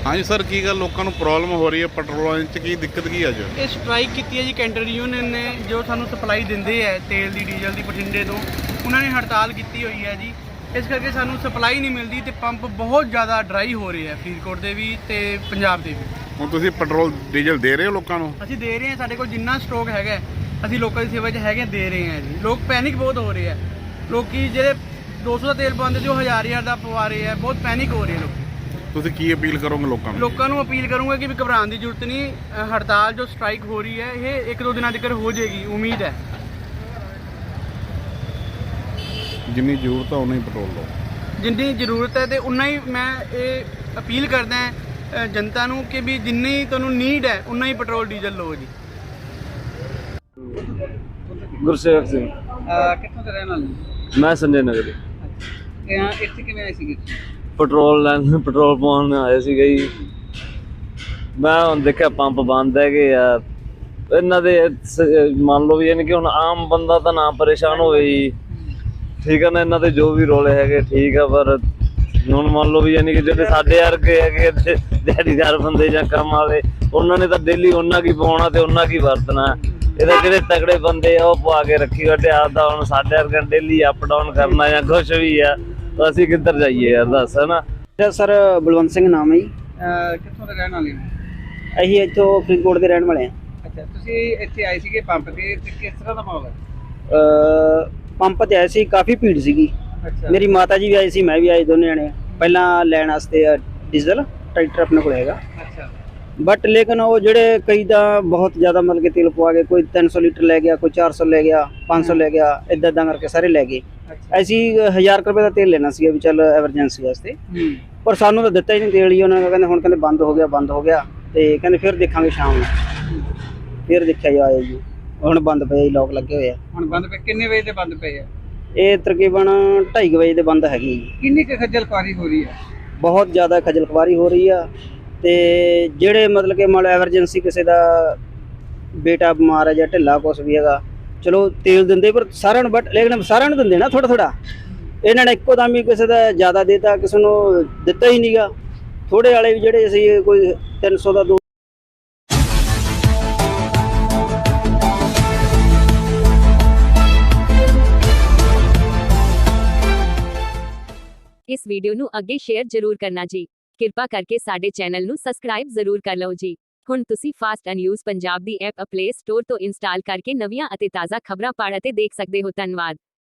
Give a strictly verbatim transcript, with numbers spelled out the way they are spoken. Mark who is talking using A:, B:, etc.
A: हाँ जी सर, की गल लोगों को प्रॉब्लम हो रही है पेट्रोल च की दिक्कत की अज?
B: ਇਹ ਸਟ੍ਰਾਈਕ ਕੀਤੀ ਹੈ ਜੀ ਕੈਂਟਰ ਯੂਨੀਅਨ ਨੇ, ਜੋ ਸਾਨੂੰ ਸਪਲਾਈ ਦਿੰਦੇ ਹੈ ਤੇਲ ਦੀ ਡੀਜ਼ਲ ਦੀ ਬਠਿੰਡੇ ਤੋਂ, ਉਹਨਾਂ ਨੇ ਹੜਤਾਲ ਕੀਤੀ ਹੋਈ ਹੈ ਜੀ। ਇਸ ਕਰਕੇ ਸਾਨੂੰ ਸਪਲਾਈ ਨਹੀਂ ਮਿਲਦੀ ਤੇ ਪੰਪ ਬਹੁਤ ਜ਼ਿਆਦਾ ਡਰਾਈ ਹੋ ਰਹੇ ਹੈ ਫਰੀਦਕੋਟ ਦੇ ਵੀ ਤੇ ਪੰਜਾਬ ਦੇ ਵੀ।
A: ਹੁਣ ਤੁਸੀਂ ਪੈਟਰੋਲ ਡੀਜ਼ਲ ਦੇ ਰਹੇ ਹੋ ਲੋਕਾਂ ਨੂੰ?
B: ਅਸੀਂ ਦੇ ਰਹੇ ਹਾਂ, ਸਾਡੇ ਕੋਲ ਜਿੰਨਾ ਸਟਾਕ ਹੈਗਾ ਅਸੀਂ ਲੋਕਾਂ ਦੀ ਸੇਵਾ 'ਚ ਹੈਗੇ ਦੇ ਰਹੇ ਹਾਂ ਜੀ। ਲੋਕ ਪੈਨਿਕ ਬਹੁਤ ਹੋ ਰਹੇ ਹੈ, ਲੋਕੀ ਜਿਹੜੇ ਦੋ ਸੌ ਦਾ ਤੇਲ ਪਾਉਂਦੇ ਸੀ ਉਹ ਹਜ਼ਾਰ ਹਜ਼ਾਰ ਦਾ ਪਵਾ ਰਹੇ ਹੈ, ਬਹੁਤ ਪੈਨਿਕ ਹੋ ਰਹੇ ਲੋਕ।
A: ਤੁਸੀਂ ਕੀ ਅਪੀਲ ਕਰੋਗੇ ਲੋਕਾਂ ਨੂੰ?
B: ਲੋਕਾਂ ਨੂੰ ਅਪੀਲ ਕਰੂੰਗਾ ਕਿ ਵੀ ਘਬਰਾਉਣ ਦੀ ਜ਼ਰੂਰਤ ਨਹੀਂ। ਅ, ਹੜਤਾਲ ਜੋ ਸਟ੍ਰਾਈਕ ਹੋ ਰਹੀ ਹੈ ਇਹ ਇੱਕ ਦੋ ਦਿਨਾਂ ਤੱਕ ਹੋ ਜਾਏਗੀ, ਉਮੀਦ ਹੈ।
A: ਜਿੰਨੀ ਜ਼ਰੂਰਤ ਹੈ ਉਨਾ ਹੀ ਪੈਟਰੋਲ ਲਓ।
B: ਜਿੰਨੀ ਜ਼ਰੂਰਤ ਹੈ ਤੇ ਉਨਾ ਹੀ ਮੈਂ ਇਹ ਅਪੀਲ ਕਰਦਾ ਅ, ਜਨਤਾ ਨੂੰ ਕਿ ਵੀ ਜਿੰਨੀ ਤੁਹਾਨੂੰ ਨੀਡ ਹੈ ਉਨਾ ਹੀ ਪੈਟਰੋਲ ਡੀਜ਼ਲ ਲਓ ਜੀ।
C: ਗੁਰਸੇਵਕ ਸਿੰਘ,
B: ਕਿੱਥੋਂ ਦੇ ਰਹਿਣ ਵਾਲੇ?
C: ਮੈਂ ਸੰਜੇ ਨਗਰ।
B: ਅੱਛਾ, ਇੱਥੇ ਕਿਵੇਂ ਆਏ ਸੀਗੇ?
C: ਪੈਟਰੋਲ ਲੈਣ ਪੈਟਰੋਲ ਪਾਉਣ ਆਏ ਸੀਗੇ ਜੀ। ਮੈਂ ਹੁਣ ਦੇਖਿਆ ਪੰਪ ਬੰਦ ਹੈਗੇ ਆ ਇਹਨਾਂ ਦੇ। ਸ- ਮੰਨ ਲਓ ਵੀ ਯਾਨੀ ਕਿ ਹੁਣ ਆਮ ਬੰਦਾ ਤਾਂ ਨਾ ਪਰੇਸ਼ਾਨ ਹੋਵੇ ਜੀ, ਠੀਕ ਹੈ ਨਾ। ਇਹਨਾਂ ਦੇ ਜੋ ਵੀ ਰੋਲੇ ਹੈਗੇ ਠੀਕ ਆ, ਪਰ ਹੁਣ ਮੰਨ ਲਓ ਵੀ ਯਾਨੀ ਕਿ ਜਿਹੜੇ ਸਾਡੇ ਵਰਗੇ ਹੈਗੇ ਤੇ ਦਿਹਾੜੀਦਾਰ ਬੰਦੇ ਜਾਂ ਕੰਮ ਵਾਲੇ, ਉਹਨਾਂ ਨੇ ਤਾਂ ਡੇਲੀ ਉਹਨਾਂ ਕੀ ਪਾਉਣਾ ਤੇ ਉਹਨਾਂ ਕੀ ਵਰਤਣਾ। ਇਹਦੇ ਜਿਹੜੇ ਤਗੜੇ ਬੰਦੇ ਆ ਉਹ ਪਵਾ ਕੇ ਰੱਖੀ ਬੈਠੇ ਆਪਦਾ। ਹੁਣ ਸਾਡੇ ਵਰਗੇ ਡੇਲੀ ਅਪ ਡਾਊਨ ਕਰਨਾ ਜਾਂ ਕੁਛ ਵੀ ਆ, ਤਾਂ ਅਸੀਂ ਕਿੱਧਰ ਜਾਈਏ ਯਾਰ ਦੱਸ, ਹੈ ਨਾ।
D: ਸਰ ਬਲਵੰਤ ਸਿੰਘ ਨਾਮ ਹੈ ਜੀ।
B: ਕਿੱਥੋਂ ਦੇ ਰਹਿਣ ਵਾਲੇ ਹੋ?
D: ਅਸੀਂ ਇੱਥੋਂ ਫਰੀਦਕੋਟ ਦੇ ਰਹਿਣ ਵਾਲੇ ਹਾਂ।
B: ਅੱਛਾ, ਤੁਸੀਂ ਇੱਥੇ ਆਏ ਸੀਗੇ ਪੰਪ ਤੇ, ਤੇ ਕਿਸ ਤਰ੍ਹਾਂ ਦਾ ਮਾਹੌਲ ਹੈ?
D: ਅ, ਪੰਪ ਤੇ ਆਏ ਸੀ, ਕਾਫੀ ਭੀੜ ਸੀਗੀ।
B: ਅੱਛਾ,
D: ਮੇਰੀ ਮਾਤਾ ਜੀ ਵੀ ਆਏ ਸੀ, ਮੈਂ ਵੀ ਆਏ, ਦੋਨੇ ਜਣੇ ਪਹਿਲਾਂ ਲੈਣ ਵਾਸਤੇ ਅ, ਡੀਜ਼ਲ ਟਰੈਕਟਰ ਆਪਣੇ ਕੋਲ ਹੈਗਾ।
B: ਅੱਛਾ,
D: ਬਟ ਲੇਕਿਨ ਉਹ ਜਿਹੜੇ ਕਈ ਤਾਂ ਬਹੁਤ ਜ਼ਿਆਦਾ ਮਤਲਬ ਕਿ ਤੇਲ ਪਵਾ ਗਏ, ਕੋਈ ਤਿੰਨ ਸੌ ਲੀਟਰ ਲੈ ਗਿਆ, ਕੋਈ ਚਾਰ ਸੌ ਲੈ ਗਿਆ, ਪੰਜ ਸੌ ਲੈ ਗਿਆ, ਇੱਦਾਂ ਇੱਦਾਂ ਕਰਕੇ ਸਾਰੇ ਲੈ ਗਏ।
B: ਅੱਛਾ।
D: ਅਸੀਂ ਹਜ਼ਾਰ ਕੁ ਰੁਪਏ ਦਾ ਤੇਲ ਲੈਣਾ ਸੀਗਾ ਵੀ ਚੱਲ ਐਮਰਜੈਂਸੀ ਵਾਸਤੇ,
B: ਹੂੰ,
D: ਪਰ ਸਾਨੂੰ ਤਾਂ ਦਿੱਤਾ ਹੀ ਨਹੀਂ ਤੇਲ ਹੀ। ਉਹਨਾਂ ਨੇ ਕਹਿੰਦੇ ਹੁਣ ਕਹਿੰਦੇ ਬੰਦ ਹੋ ਗਿਆ ਬੰਦ ਹੋ ਗਿਆ, ਤੇ ਕਹਿੰਦੇ ਫਿਰ ਦੇਖਾਂਗੇ ਸ਼ਾਮ ਨੂੰ। ਫਿਰ ਦੇਖਿਆ ਜੀ ਆਏ ਜੀ, ਹੁਣ ਬੰਦ ਪਏ ਜੀ, ਲੋਕ ਲੱਗੇ ਹੋਏ ਆ।
B: ਹੁਣ ਬੰਦ ਪਏ? ਕਿੰਨੇ ਵਜੇ ਤੇ ਬੰਦ ਪਏ ਆ?
D: ਇਹ ਤਕਰੀਬਨ ਢਾਈ ਕੁ ਵਜੇ ਦੇ ਬੰਦ ਹੈਗੀ ਜੀ।
B: ਕਿੰਨੀ ਕੁ ਖੱਜਲ ਖੁਆਰੀ ਹੋ ਰਹੀ ਹੈ?
D: ਬਹੁਤ ਜ਼ਿਆਦਾ ਖੱਜਲ ਖੁਆਰੀ ਹੋ ਰਹੀ ਆ। ਤੇ ਜਿਹੜੇ ਮਤਲਬ ਕਿ ਮੰਨ ਲਓ ਐਮਰਜੈਂਸੀ ਕਿਸੇ ਦਾ ਬੇਟਾ ਬਿਮਾਰ ਹੈ ਜਾਂ ਢਿੱਲਾ ਕੁਛ ਵੀ ਹੈਗਾ, ਚਲੋ ਤੇਲ ਦਿੰਦੇ, ਪਰ ਸਾਰਿਆਂ ਨੂੰ, ਬਟ ਲੇਕਿਨ ਸਾਰਿਆਂ ਨੂੰ ਦਿੰਦੇ ਨਾ ਥੋੜਾ ਥੋੜਾ। ਇਹਨਾਂ ਨੇ ਇੱਕੋ ਦਮ ਹੀ ਕਿਸੇ ਦਾ ਜ਼ਿਆਦਾ ਦੇਤਾ, ਕਿਸੇ ਨੂੰ ਦਿੱਤਾ ਹੀ ਨਹੀਂਗਾ। ਥੋੜੇ ਵਾਲੇ ਵੀ ਜਿਹੜੇ ਸੀ ਕੋਈ ਤਿੰਨ ਸੌ ਦਾ ਦੋ।
E: ਇਸ ਵੀਡੀਓ ਨੂੰ ਅੱਗੇ ਸ਼ੇਅਰ ਜ਼ਰੂਰ ਕਰਨਾ ਜੀ। ਕਿਰਪਾ ਕਰਕੇ ਸਾਡੇ ਚੈਨਲ ਨੂੰ ਸਬਸਕ੍ਰਾਈਬ ਜ਼ਰੂਰ ਕਰ ਲਓ ਜੀ। ਹੁਣ ਤੁਸੀਂ ਫਾਸਟ ਨਿਊਜ਼ ਪੰਜਾਬ ਦੀ ਐਪ ਪਲੇ ਸਟੋਰ ਤੋਂ ਇੰਸਟਾਲ ਕਰਕੇ ਨਵੀਆਂ ਅਤੇ ਤਾਜ਼ਾ ਖਬਰਾਂ ਪੜ੍ਹ ਅਤੇ ਦੇਖ ਸਕਦੇ ਹੋ। ਧੰਨਵਾਦ।